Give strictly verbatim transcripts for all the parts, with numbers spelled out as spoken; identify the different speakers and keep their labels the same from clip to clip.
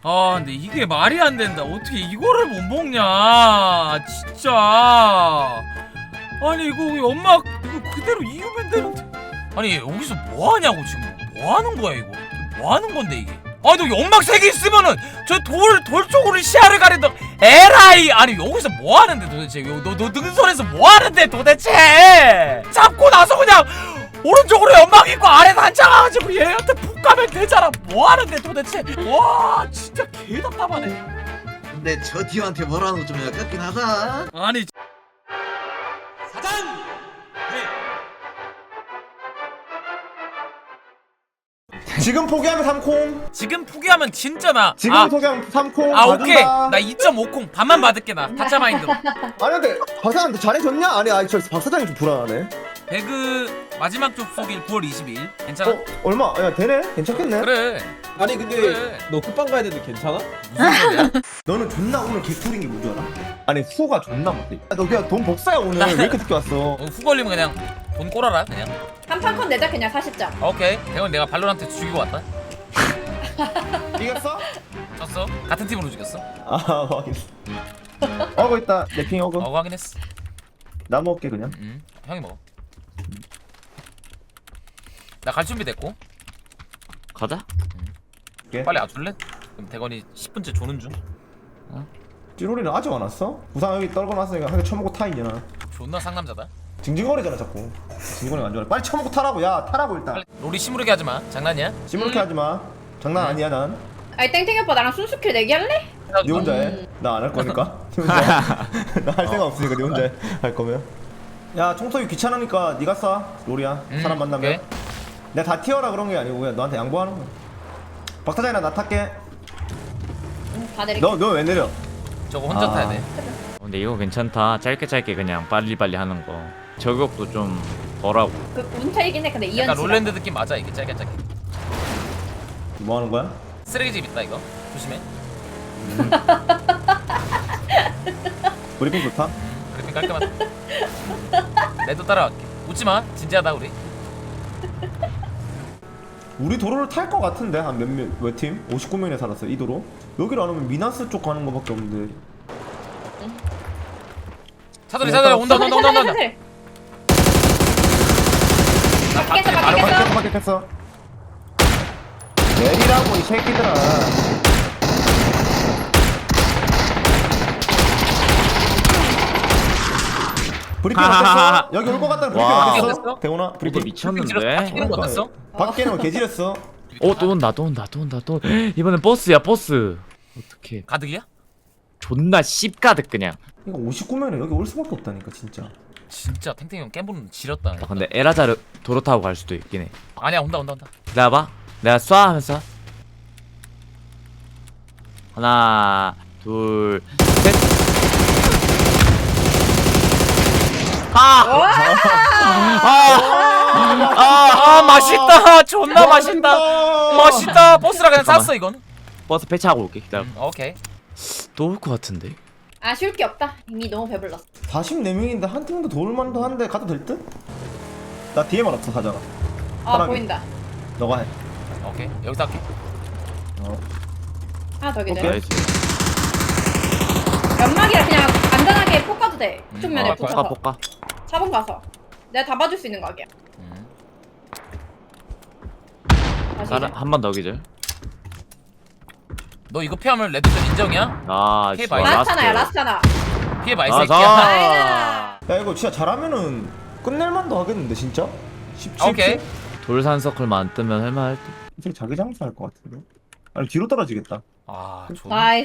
Speaker 1: 아 근데 이게 말이 안 된다. 어떻게 이거를 못 먹냐 진짜. 아니 이거 연막 이거 그대로 이으면 되는데. 아니 여기서 뭐 하냐고 지금. 뭐 하는 거야 이거. 뭐 하는 건데 이게. 아니 너 연막 세 개 있으면은 저 돌 돌 쪽으로 시야를 가린다. 에라이. 아니 여기서 뭐 하는데 도대체. 너 너 능선에서 뭐 하는데 도대체. 잡고 나서 그냥 오른쪽으로 연막 있고 아래 단차 가가지고 얘한테 푹 가면 되잖아. 뭐 하는데 도대체. 와 진짜 개 답답하네.
Speaker 2: 근데 저 디오한테 뭐라는 거 좀 아깝긴 하다.
Speaker 1: 아니
Speaker 3: 사장!
Speaker 4: 지금 포기하면 삼 콩.
Speaker 1: 지금 포기하면 진짜 나.
Speaker 4: 지금
Speaker 1: 아,
Speaker 4: 포기하면 삼 콩.
Speaker 1: 아 오케이.
Speaker 4: 봐준다.
Speaker 1: 나 이 점 오 콩 반만 받을게 나. 타짜 마인드로.
Speaker 4: 아니 근데 박 사장한테 잘해줬냐? 아니 아니 저박 사장이 좀 불안하네.
Speaker 1: 배그 마지막 접속일 구월 이십일. 괜찮아?
Speaker 4: 어 얼마? 야 되네? 괜찮겠네.
Speaker 1: 그래.
Speaker 3: 아니 근데
Speaker 1: 그래.
Speaker 3: 너 끝방 가야 되는데 괜찮아?
Speaker 1: 무슨 소리야?
Speaker 4: 너는 존나 오늘 개꿀인 게 뭔지 알아? 아니 후가 존나 못해. 야, 너 그냥 돈 복사야 오늘. 왜 이렇게 늦게 왔어?
Speaker 1: 어, 후 걸리면 그냥 돈 꼬라라 그냥.
Speaker 5: 한판 컷 내자 그냥 사십 점.
Speaker 1: 오케이. 대원 내가 발로란트 죽이고 왔다.
Speaker 4: 이겼어?
Speaker 1: 졌어? 같은 팀으로 죽였어.
Speaker 4: 아 확인했어. 어거 있다. 내핑 어거.
Speaker 1: 어 확인했어.
Speaker 4: 나 먹을게 그냥.
Speaker 1: 음 형이 먹어. 나 갈 준비 됐고.
Speaker 6: 가자.
Speaker 4: 오케이.
Speaker 1: 빨리 와줄래? 그럼 대건이 십 분째 조는 중.
Speaker 4: 찌로리는 아직 안 왔어? 부상 여기 떨궈놨으니까 한 개 쳐먹고 타 이제나.
Speaker 1: 존나 상남자다.
Speaker 4: 징징거리잖아 자꾸. 징징거리가 안 좋아. 빨리 쳐먹고 타라고. 야 타라고 일단.
Speaker 1: 빨리 롤이 시무르게 하지 마. 장난이야?
Speaker 4: 시무룩해 하지 마. 장난 아니야 난.
Speaker 5: 아니 땡땡이 오빠 나랑 순수킬 내기 할래?
Speaker 4: 네 혼자 해. 나 안 할 거니까. 네 혼자. 나 할 생각 없으니까 네 혼자 해. 할 거면. 야 청소기 귀찮으니까 네가 쏴. 롤이야.
Speaker 1: 음,
Speaker 4: 사람 만나면.
Speaker 1: 오케이.
Speaker 4: 내가 다 튀어라 그런 게 아니고 그냥 너한테 양보하는 거야. 박사장이나 나 탈게.
Speaker 5: 응, 다 내릴게.
Speaker 4: 너 너 왜 내려?
Speaker 1: 저거 혼자
Speaker 4: 아.
Speaker 1: 타야 돼.
Speaker 6: 어, 근데 이거 괜찮다. 짧게 짧게 그냥 빨리빨리 하는 거. 저격도 좀 덜하고.
Speaker 5: 그 운차이긴 해. 근데 이연치.
Speaker 1: 약간 롤랜드 느낌 맞아 이게 짧게 짧게.
Speaker 4: 뭐 하는 거야?
Speaker 1: 쓰레기집 있다 이거. 조심해.
Speaker 4: 브리핑 좋다.
Speaker 1: 그래픽 깔끔하다. 내도 따라갈게. 웃지 마. 진지하다 우리.
Speaker 4: 우리 도로를 탈 것 같은데 한 몇몇 몇 팀? 오십구 명이나 살았어 이 도로. 여기를 안 오면 미나스 쪽 가는 거밖에 없는데.
Speaker 1: 차돌이 차돌이 온다 온다 온다 온다 온다. 나
Speaker 5: 밖에서
Speaker 1: 밖에 바로
Speaker 5: 밖에서.
Speaker 4: 밖에 밖에 탔어. 내리라고 이 새끼들아. 브리핑 어땠어? 여기 올 것 같다는 브리핑
Speaker 6: 와.
Speaker 4: 어땠어?
Speaker 1: 어땠어?
Speaker 4: 대훈아
Speaker 6: 이거
Speaker 4: 브리핑.
Speaker 6: 미쳤는데.
Speaker 1: 이런 거 어땠어?
Speaker 4: 밖에는 개지렸어.
Speaker 6: 어, 또 온다, 또 온다, 또 온다, 또. 이번엔 버스야, 버스. 어떡해.
Speaker 1: 가득이야?
Speaker 6: 존나 씹가득 그냥.
Speaker 4: 이거 오십구 명이나 여기 올 수밖에 없다니까 진짜.
Speaker 1: 진짜 탱탱이 형 깨보는 지렸다.
Speaker 6: 아, 근데 에라자르 도로 타고 갈 수도 있긴 해.
Speaker 1: 아니야 온다 온다 온다.
Speaker 6: 기다려봐. 내가 쏴 하면서. 하나, 둘, 셋. 아!
Speaker 1: 아, 아 맛있다. 존나 맛있다. 맛있다. 버스라 그냥
Speaker 6: 잠깐만.
Speaker 1: 쌌어 이건.
Speaker 6: 버스 배차하고 올게. 기다려.
Speaker 1: 음, 오케이.
Speaker 6: 또 올 것 같은데.
Speaker 5: 아쉬울 게 없다. 이미 너무 배불렀어.
Speaker 4: 사십사 명인데 한 팀도 도울만도 한데 가도 될 듯? 나 뒤에만 없어 가잖아.
Speaker 5: 아
Speaker 4: 편하게.
Speaker 5: 보인다.
Speaker 4: 너가 해.
Speaker 1: 오케이 여기서 할게.
Speaker 4: 어.
Speaker 5: 하나 더 기절.
Speaker 4: 오케이.
Speaker 6: 나이스.
Speaker 5: 연막이라 그냥 간단하게 폭 가도 돼.
Speaker 1: 음,
Speaker 5: 쪽 면에
Speaker 1: 어,
Speaker 5: 붙여서.
Speaker 6: 볶아, 볶아.
Speaker 5: 사 번 가서. 내가 다 봐줄 수 있는 각이야.
Speaker 1: 음.
Speaker 5: 다시.
Speaker 6: 나는 한 번 더 기절.
Speaker 1: 너 이거 피하면 레드존 인정이야?
Speaker 6: 아,
Speaker 1: 피해
Speaker 6: 좋아,
Speaker 1: 봐요.
Speaker 5: 라스트하나야 라스트하나.
Speaker 1: 피해 봐 이
Speaker 6: 아,
Speaker 1: 새끼야.
Speaker 6: 자.
Speaker 5: 아이다.
Speaker 4: 야 이거 진짜 잘하면은 끝낼만도 하겠는데 진짜? 십칠
Speaker 1: 오케이.
Speaker 6: 돌산 서클만 뜨면 할만할 듯.
Speaker 4: 이 새끼 자기 장사할 것 같은데? 아니 뒤로 떨어지겠다.
Speaker 1: 아 좋.
Speaker 5: 나이스.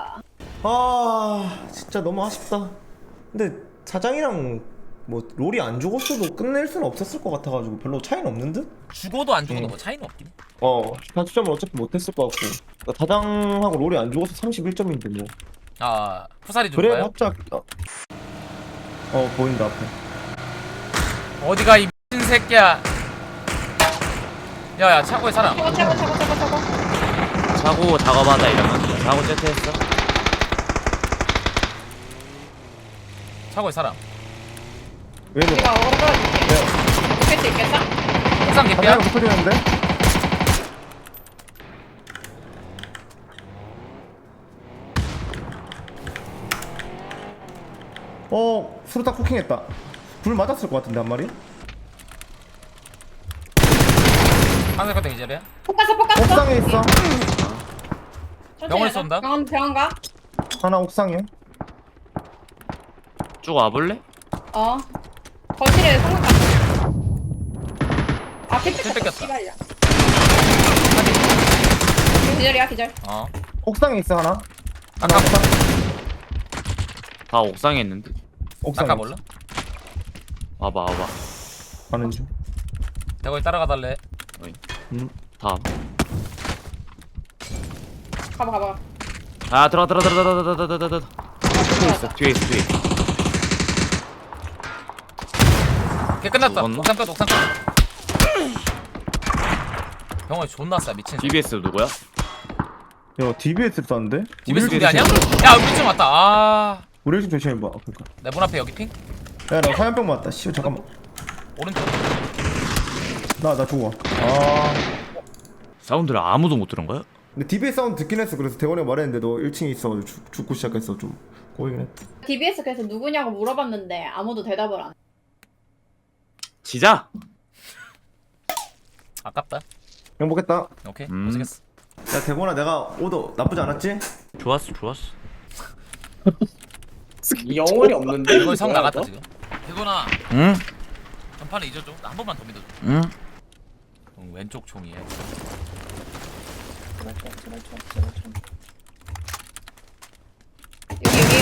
Speaker 4: 아 진짜 너무 아쉽다. 근데 사장이랑 뭐 롤이 안 죽었어도 끝낼 수는 없었을 것 같아가지고 별로 차이는 없는 듯?
Speaker 1: 죽어도 안 죽어도
Speaker 4: 음.
Speaker 1: 뭐 차이는 없긴 해.
Speaker 4: 어 단추점을 어차피 못했을 것 같고 그러니까 사장하고 롤이 안 죽어서 삼십일 점인데 뭐
Speaker 1: 아 푸사리
Speaker 4: 그래
Speaker 1: 좋아요?
Speaker 4: 합작 어, 어 보인다 앞에.
Speaker 1: 어디가 이 미친 새끼야. 야야 차고에 사람.
Speaker 5: 차고 차고 차고 차고 차고.
Speaker 6: 차고 작업하다 이러면 차고 제트했어.
Speaker 1: 차고에 사람.
Speaker 4: 왜 이래?
Speaker 5: 우리가 어그로 끌어줄게. 죽일 수 있겠어?
Speaker 1: 옥상 개피야?
Speaker 4: 사장이랑 붙어지는데? 어 수류탄 쿠킹했다. 불 맞았을 것 같은데 한 마리?
Speaker 1: 한살 같은 기절이야?
Speaker 5: 폭갔어 폭갔어.
Speaker 4: 옥상에 있어.
Speaker 1: 병원에 쏜다?
Speaker 5: 병원 병원 가.
Speaker 4: 하나 옥상에.
Speaker 6: 쭉 와볼래?
Speaker 5: 어. 거실에 성공 갔어. 아
Speaker 1: 킬
Speaker 5: 캡처
Speaker 1: 뺏겼다.
Speaker 5: 씨발이야. 기절이야 기절.
Speaker 1: 어
Speaker 4: 옥상에 있어 하나.
Speaker 1: 아까
Speaker 4: 하나 옥상.
Speaker 6: 다 옥상에 있는데.
Speaker 4: 옥상에.
Speaker 1: 아까 몰라?
Speaker 6: 와봐 와봐.
Speaker 4: 가는 중.
Speaker 1: 대거기 따라가 달래.
Speaker 4: 음.
Speaker 6: 다 와봐.
Speaker 5: 가봐 가봐.
Speaker 6: 아 들어 들어 들어 들어 들어 들어 들어 들어. 뒤에 있어 뒤에 있어 뒤에.
Speaker 1: 걔 끝났다.
Speaker 6: 죽었나?
Speaker 1: 옥상 끝 옥상 끝. 병원이 존나 싸 미친.
Speaker 6: 디비에스 누구야?
Speaker 4: 야 디비에스 쐈는데?
Speaker 1: 디비에스 우리 아니야? 야 우리 좀 왔다. 아.
Speaker 4: 우리 좀 조심해 봐. 그러니까.
Speaker 1: 내 문 앞에 여기 핑.
Speaker 4: 야나 화염병 맞다. 씨 잠깐만.
Speaker 1: 오른쪽.
Speaker 4: 나 나 죽어. 아.
Speaker 6: 사운드를 아무도 못 들은 거야?
Speaker 4: 근데 디비에스 사운드 듣긴 했어. 그래서 대원이가 말했는데 너 일 층에 있어가지고 죽, 죽고 시작했어. 좀 고이긴 했다.
Speaker 5: 디비에스 그래서 누구냐고 물어봤는데 아무도 대답을 안 해.
Speaker 6: 지자.
Speaker 1: 아깝다.
Speaker 4: 행복했다.
Speaker 1: 오케이
Speaker 6: 음.
Speaker 1: 고생했어.
Speaker 4: 야 대건아 내가 오더 나쁘지 않았지?
Speaker 6: 좋았어 좋았어.
Speaker 3: 영혼이 없는데.
Speaker 1: 대건이 성
Speaker 3: 뭐야,
Speaker 1: 나갔다
Speaker 3: 너?
Speaker 1: 지금. 대건아
Speaker 6: 응?
Speaker 1: 전판에 잊어줘. 나 한 번만 더 믿어줘.
Speaker 6: 응?
Speaker 1: 응, 왼쪽 총이야.
Speaker 5: 여기 여기.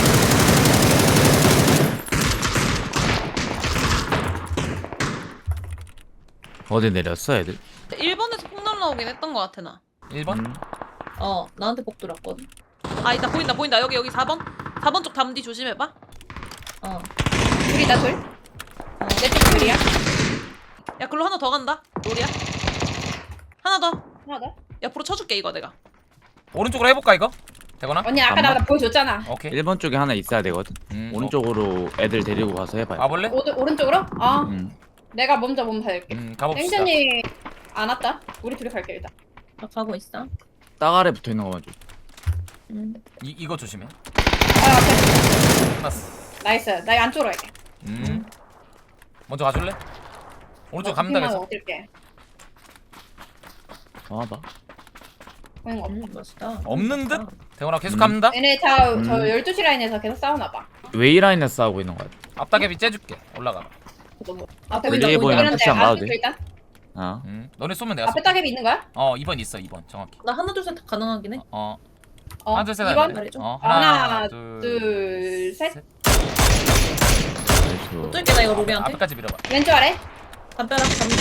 Speaker 6: 어디 내렸어 애들?
Speaker 7: 일본에서 폭 날라오긴 했던 것 같아 나.
Speaker 1: 일 번?
Speaker 6: 음.
Speaker 7: 어 나한테 폭 들었거든. 아 이따 보인다 보인다 여기 여기 사 번 사 번 쪽 담디 조심해봐. 어.
Speaker 5: 둘이다 둘. 내쪽 둘이야.
Speaker 7: 야 글로 하나 더 간다. 로리야. 하나 더.
Speaker 5: 하나 더.
Speaker 7: 옆으로 쳐줄게 이거 내가.
Speaker 1: 오른쪽으로 해볼까 이거? 대건아?
Speaker 5: 언니 아까 나 보여줬잖아.
Speaker 1: 오케이.
Speaker 6: 일 번 쪽에 하나 있어야 되거든.
Speaker 1: 음,
Speaker 6: 오른쪽으로 애들 데리고 가서 해봐요.
Speaker 1: 어, 와볼래?
Speaker 5: 오, 오른쪽으로? 아
Speaker 6: 응.
Speaker 5: 내가 먼저 몸 살게.
Speaker 1: 음 가봅시다.
Speaker 5: 땡전이 안 왔다. 우리 둘이 갈게 일단.
Speaker 7: 나 가고 있어.
Speaker 6: 땅 아래 붙어 있는 거만 줘.
Speaker 7: 음.
Speaker 1: 이 이거 조심해.
Speaker 5: 아 앞에.
Speaker 1: 끝났어.
Speaker 5: 나이스. 나 안쪽으로 갈게.
Speaker 1: 음. 먼저 가줄래? 오른쪽
Speaker 5: 나
Speaker 1: 갑니다
Speaker 5: 커피만
Speaker 1: 계속.
Speaker 5: 먹을게.
Speaker 6: 와봐.
Speaker 5: 보이는 거 없어.
Speaker 7: 음 멋있다.
Speaker 1: 없는 듯? 대건아 계속
Speaker 6: 음.
Speaker 1: 갑니다.
Speaker 5: 얘네 다
Speaker 6: 음.
Speaker 5: 저 열두 시 라인에서 계속 싸우나 봐.
Speaker 6: 웨이 라인에 싸우고 있는 거야.
Speaker 1: 앞다개비 째줄게. 올라가.
Speaker 5: 너무.
Speaker 7: 아,
Speaker 5: 앞에
Speaker 7: 보인다,
Speaker 6: 위에
Speaker 7: 보인다.
Speaker 6: 보이는 푸시 안 봐도 돼.
Speaker 5: 일단
Speaker 6: 어.
Speaker 1: 음. 너네 쏘면 내가
Speaker 5: 앞에
Speaker 1: 쏠게.
Speaker 5: 따개비 있는 거야?
Speaker 1: 어 이 번 있어 이 번 정확히.
Speaker 7: 나 하나 둘 셋 가능하긴 해.
Speaker 1: 어.
Speaker 5: 어.
Speaker 1: 하나 둘셋
Speaker 5: 이 번?
Speaker 7: 말해줘.
Speaker 1: 어
Speaker 5: 하나,
Speaker 1: 하나
Speaker 5: 둘,
Speaker 1: 둘
Speaker 5: 셋.
Speaker 6: 나이스.
Speaker 7: 어떨게 나 이거 로리한테.
Speaker 1: 앞에까지 밀어봐.
Speaker 5: 왼쪽 아래.
Speaker 7: 담벼락 담디.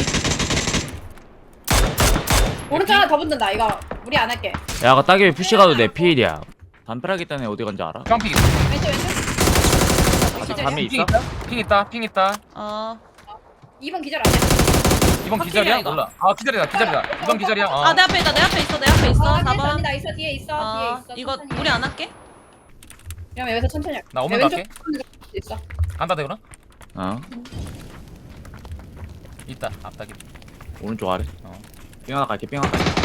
Speaker 5: 오른쪽 하나 더 붙는다. 이거 우리 안 할게.
Speaker 6: 야 아까 따개비 푸시 가도 내 피일이야. 담벼락이 있다네 어디 간지 알아?
Speaker 1: 깡핑 있어.
Speaker 5: 왼쪽 왼쪽. 기절이야?
Speaker 6: 담에
Speaker 1: 핑
Speaker 6: 있어?
Speaker 1: 있다. 핑 있다. 핑 있다.
Speaker 7: 어.
Speaker 5: 이 번 기절 안 해.
Speaker 1: 이번
Speaker 7: 확실이야,
Speaker 1: 기절이야?
Speaker 7: 이거.
Speaker 1: 몰라. 아 기절이다 기절이다. 이번 기절이야. 어.
Speaker 7: 아 내 앞에 있다 내 앞에 있어 내 앞에 있어.
Speaker 5: 어,
Speaker 7: 사
Speaker 5: 뒤에
Speaker 7: 번.
Speaker 5: 언니 나 있어. 뒤에 있어. 뒤에
Speaker 7: 어
Speaker 5: 있어.
Speaker 7: 이거
Speaker 5: 천천히.
Speaker 7: 우리 안 할게.
Speaker 5: 그러면 여기서 천천히 할게.
Speaker 1: 나 오면
Speaker 5: 왼쪽
Speaker 1: 갈게.
Speaker 5: 있어.
Speaker 1: 간다 대구나.
Speaker 6: 어.
Speaker 1: 있다. 앞다개비.
Speaker 6: 오른쪽 아래.
Speaker 1: 어.
Speaker 6: 삥 하나 갈게 삥 하나 갈게.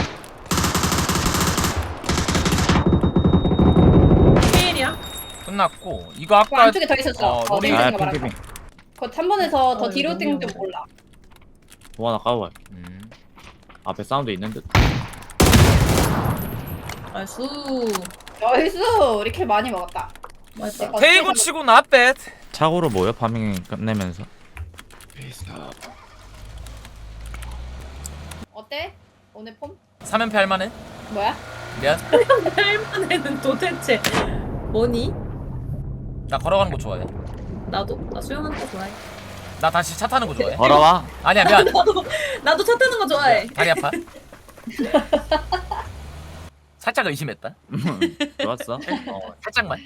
Speaker 7: 피일이야.
Speaker 1: 끝났고 이거
Speaker 5: 그
Speaker 1: 아까
Speaker 5: 안쪽에 더 있었어.
Speaker 1: 어,
Speaker 5: 어,
Speaker 1: 로리.
Speaker 5: 땡땡이가
Speaker 6: 아
Speaker 5: 말한 거.
Speaker 6: 핑핑핑.
Speaker 5: 그 삼 번에서 더
Speaker 7: 어,
Speaker 5: 뒤로
Speaker 7: 이거
Speaker 5: 땡좀
Speaker 7: 너무
Speaker 5: 몰라.
Speaker 6: 뭐 하나 까고 가.
Speaker 1: 음.
Speaker 6: 앞에 사운드 있는 듯.
Speaker 7: 나이스.
Speaker 5: 나이스. 우리 킬 많이 먹었다.
Speaker 7: 맛있다.
Speaker 5: 어,
Speaker 1: 테이블 치고 나뱃.
Speaker 6: 차고로 모여 파밍 끝내면서.
Speaker 5: 어때? 오늘 폼?
Speaker 1: 삼 연패 할만해?
Speaker 5: 뭐야?
Speaker 1: 미안.
Speaker 7: 할만해는 도대체 뭐니?
Speaker 1: 나 걸어가는 거 좋아해.
Speaker 7: 나도 나 수영하는 거 좋아해.
Speaker 1: 나 다시 차 타는 거 좋아해.
Speaker 6: 걸어와.
Speaker 1: 아니야 미안.
Speaker 7: 나도 나도 차 타는 거 좋아해.
Speaker 1: 다리 아파. 살짝 의심했다.
Speaker 6: 좋았어.
Speaker 1: 어, 살짝만.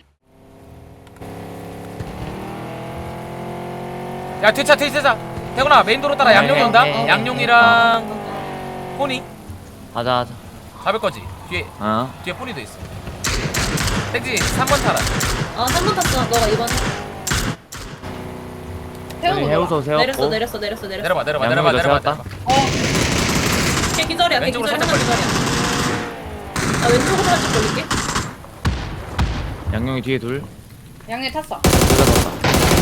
Speaker 1: 야 뒤차 뒤차. 태구나 메인 도로 따라 양용이 온다.
Speaker 6: 네, 네, 네.
Speaker 1: 양용이랑 포니
Speaker 6: 하자 하자.
Speaker 1: 잡을 거지. 뒤에
Speaker 6: 어.
Speaker 1: 뒤에 포니도 있어. 땡지 삼 번 타라.
Speaker 7: 아 삼 번 탔어. 너가 이번
Speaker 5: 태우는
Speaker 6: 여기
Speaker 5: 거.
Speaker 6: 해우소 세웠고.
Speaker 7: 내렸어 내렸어 내렸어 내렸어.
Speaker 1: 내려봐 내려봐
Speaker 6: 양용이도
Speaker 1: 내려봐 내려봐.
Speaker 6: 세웠다.
Speaker 1: 내려봐.
Speaker 5: 어.
Speaker 7: 걔 기절이야. 걔
Speaker 1: 왼쪽으로
Speaker 7: 기절이야.
Speaker 1: 살짝
Speaker 7: 기절이야. 나 왼쪽으로 살짝 걸릴게.
Speaker 6: 양용이 뒤에 둘.
Speaker 5: 양념 탔어.
Speaker 6: 둘다 탔다.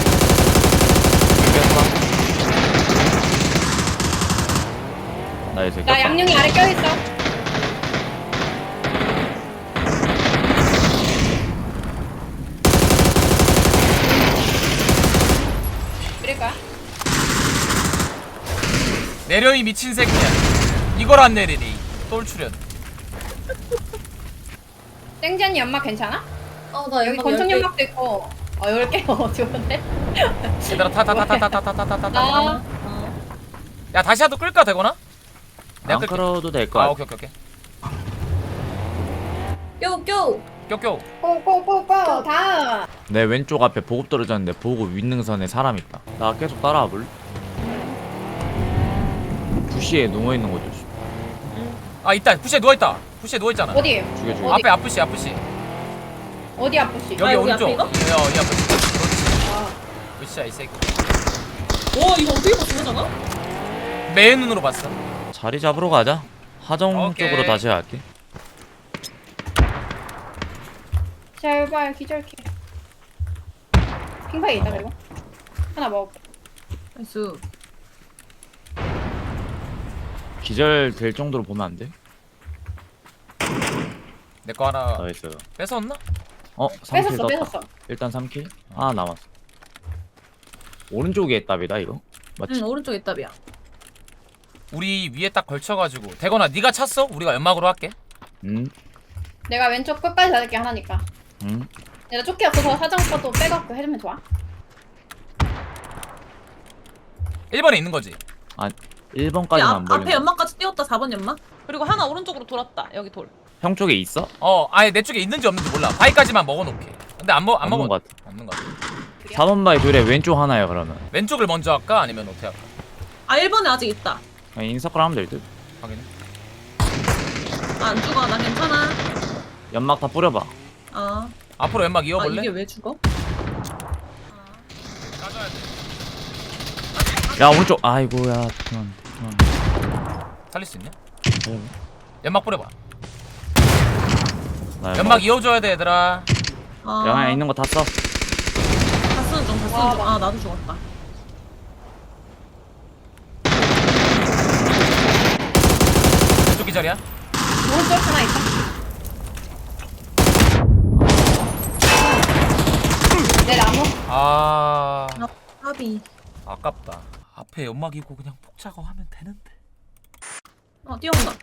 Speaker 6: 나이스.
Speaker 5: 나 양룡이 아래 껴있어. 그럴까?
Speaker 1: 내려 이 미친 새끼야. 이걸 안 내리니 똘출연.
Speaker 5: 땡지언니 연막 괜찮아?
Speaker 7: 어나
Speaker 5: 여기 권총 연막도 있고. 어 열 개. 어 좋은데?
Speaker 1: 얘들아 타 타 타 타 타 타 타 타 타.
Speaker 5: 나
Speaker 1: 야 다시 하도 끌까 되거나? 내가
Speaker 6: 안
Speaker 1: 끌게.
Speaker 6: 끌어도 될
Speaker 1: 아
Speaker 6: 거야.
Speaker 1: 오케이 오케이 오케이.
Speaker 7: 껴껴.
Speaker 1: 껴껴.
Speaker 5: 꼬꼬꼬꼬 다음.
Speaker 6: 내 왼쪽 앞에 보급 떨어졌는데 보급 윗능선에 사람 있다. 나 계속 따라와 볼래? 부시에 누워 있는 거죠.
Speaker 1: 아 있다. 부시에 누워 있다. 부시에 누워 있잖아.
Speaker 5: 어디?
Speaker 6: 죽여 죽여.
Speaker 5: 어디?
Speaker 1: 앞에 앞부시 앞부시.
Speaker 5: 어디 아프시?
Speaker 1: 여기
Speaker 7: 아, 여기
Speaker 1: 오른쪽.
Speaker 7: 앞에 이거?
Speaker 1: 어, 이 앞부시.
Speaker 5: 아,
Speaker 1: 으쌰 이 새끼.
Speaker 7: 와 이거 어떻게 봤어 그잖아?
Speaker 1: 매 눈으로 봤어.
Speaker 6: 자리 잡으러 가자. 하정
Speaker 1: 오케이.
Speaker 6: 쪽으로 다시 갈게.
Speaker 5: 제발 기절키. 핑파이 있다 그리고 하나 먹어.
Speaker 7: 나이스.
Speaker 6: 기절 될 정도로 보면 안 돼?
Speaker 1: 내 거 하나
Speaker 6: 나이스.
Speaker 1: 뺏었나?
Speaker 6: 어, 삼 킬
Speaker 5: 뺏었어
Speaker 6: 떴다.
Speaker 5: 뺏었어.
Speaker 6: 일단 삼 킬. 아, 남았어. 오른쪽에 답이다 이거. 맞지?
Speaker 7: 응 오른쪽 있답이야.
Speaker 1: 우리 위에 딱 걸쳐가지고 대건아 네가 찼어? 우리가 연막으로 할게.
Speaker 6: 응.
Speaker 5: 내가 왼쪽 끝까지 닫을게 하나니까.
Speaker 6: 응.
Speaker 5: 내가 조끼 없어서 사장 것도 빼갖고 해주면 좋아.
Speaker 1: 일 번에 있는 거지.
Speaker 6: 아, 일 번까지는 안
Speaker 7: 앞,
Speaker 6: 벌린
Speaker 7: 앞에
Speaker 6: 거.
Speaker 7: 연막까지 띄웠다 사 번 연막. 그리고 하나 오른쪽으로 돌았다. 여기 돌.
Speaker 6: 형 쪽에 있어?
Speaker 1: 어 아예 내 쪽에 있는지 없는지 몰라. 바위까지만 먹어놓게. 근데 안 먹 안
Speaker 6: 없는
Speaker 1: 먹어.
Speaker 6: 것 같아.
Speaker 1: 없는 거 같아.
Speaker 6: 사 번 바위 둘에 왼쪽 하나야 그러면.
Speaker 1: 왼쪽을 먼저 할까 아니면 어떻게 할까?
Speaker 7: 아 일 번에 아직 있다.
Speaker 6: 그냥 인서클 하면 될 듯.
Speaker 1: 확인해.
Speaker 7: 아, 안 죽어 나 괜찮아.
Speaker 6: 연막 다 뿌려봐.
Speaker 7: 아,
Speaker 1: 앞으로 연막
Speaker 7: 아
Speaker 1: 이어볼래?
Speaker 7: 이게 왜 죽어?
Speaker 1: 까줘야 돼.
Speaker 6: 야 오른쪽. 아이고야. 그만. 그만.
Speaker 1: 살릴 수 있냐?
Speaker 6: 네.
Speaker 1: 연막 뿌려봐.
Speaker 6: 나
Speaker 1: 연막 이어줘야 돼 얘들아.
Speaker 7: 아,
Speaker 6: 영화에 있는 거 다 써.
Speaker 7: 다 쓰는 중, 다 쓰는
Speaker 5: 와,
Speaker 7: 중. 아 나도 죽었다.
Speaker 1: 왼쪽 기절이야?
Speaker 5: 오른쪽 하나 있다. 내 나무.
Speaker 1: 아
Speaker 7: 까비.
Speaker 1: 아깝다. 앞에 연막 이고 그냥 폭 작업하면 되는데.
Speaker 7: 어 뛰어온다.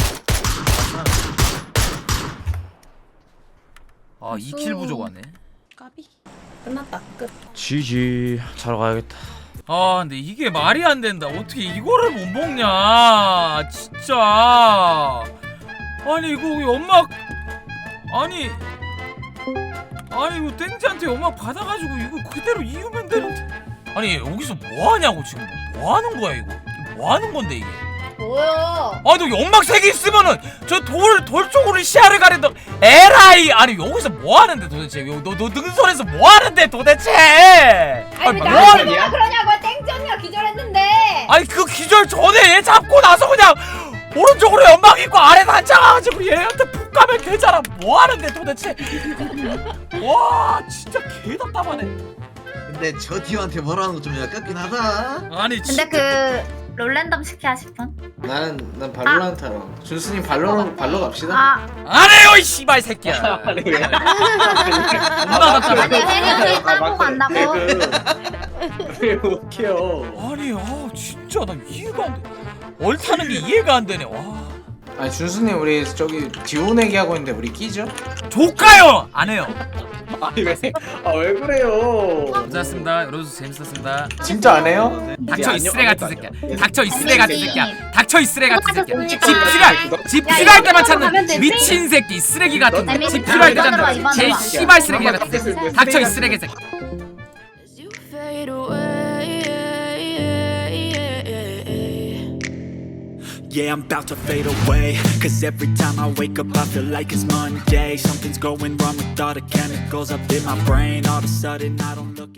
Speaker 1: 아 이 킬 부족하네.
Speaker 7: 까비. 끝났다. 끝.
Speaker 6: 지지. 자러 가야겠다.
Speaker 1: 아 근데 이게 말이 안 된다. 어떻게 이거를 못 먹냐 진짜. 아니 이거 연막 아니 아니 이거 땡지한테 연막 받아가지고 이거 그대로 이으면 되는데. 아니 여기서 뭐 하냐고 지금. 뭐 하는 거야 이거. 뭐 하는 건데 이게.
Speaker 5: 뭐야?
Speaker 1: 아너 연막 세 개 있으면은 저 돌 돌 쪽으로 시야를 가린다. 에라이. 아니 여기서 뭐 하는데 도대체. 너너 능선에서 뭐 하는데 도대체.
Speaker 5: 아니 왜
Speaker 1: 뭐
Speaker 5: 나한테
Speaker 1: 하는
Speaker 5: 뭐라 그러냐고. 땡전이가 기절했는데.
Speaker 1: 아니 그 기절 전에 얘 잡고 나서 그냥 오른쪽으로 연막 있고 아래 단장가지고 얘한테 푹 가면 되잖아. 뭐 하는데 도대체. 와 진짜 개 답답하네.
Speaker 2: 근데 저 디오한테 뭐라는 거 좀 아깝긴 하다.
Speaker 1: 아니
Speaker 8: 근데
Speaker 1: 진짜.
Speaker 8: 그 롤랜덤 시키야 싶은?
Speaker 9: 나는 난 발로란트 하러. 준수님 발로 발로 갑시다.
Speaker 8: 아
Speaker 1: 안 해요 이 씨발 새끼야.
Speaker 9: 아니 왜?
Speaker 1: 존나
Speaker 8: 아니
Speaker 1: 답답해.
Speaker 8: 혜린이 따고 간다고?
Speaker 9: 왜 웃겨?
Speaker 1: 아니 아 진짜 나 이해가 안 돼. 얼타는 게 이해가 안 되네. 와
Speaker 9: 아니 준수님 우리 저기 디오 내기 하고 있는데 우리 끼죠?
Speaker 1: 조카요 안 해요.
Speaker 9: 아니 왜? 아왜 그래요?
Speaker 1: 고생하셨습니다. 여러분 재밌었습니다.
Speaker 9: 진짜 안 해요?
Speaker 1: 닥쳐 이 쓰레 같은 새끼야. 닥쳐 이 쓰레 같은 새끼야. 닥쳐 이 쓰레 같은 새끼야. 집
Speaker 8: 아,
Speaker 1: 필요할 집
Speaker 5: 야,
Speaker 1: 필요할 때만
Speaker 5: 이거
Speaker 1: 찾는
Speaker 5: 하면 되지?
Speaker 1: 미친 새끼 쓰레기 같은
Speaker 8: 아니,
Speaker 1: 집 필요할 때
Speaker 8: 이번에 봐,
Speaker 1: 찾는
Speaker 8: 이번에
Speaker 1: 제
Speaker 8: 봐.
Speaker 1: 씨발 쓰레기 같은 새끼. 닥쳐 이 쓰레기 새끼.
Speaker 10: As you fade away,
Speaker 11: Yeah, I'm about to fade away. Cause every time I wake up I feel like it's Monday. Something's going wrong with all the chemicals up in my brain. All of a sudden I don't look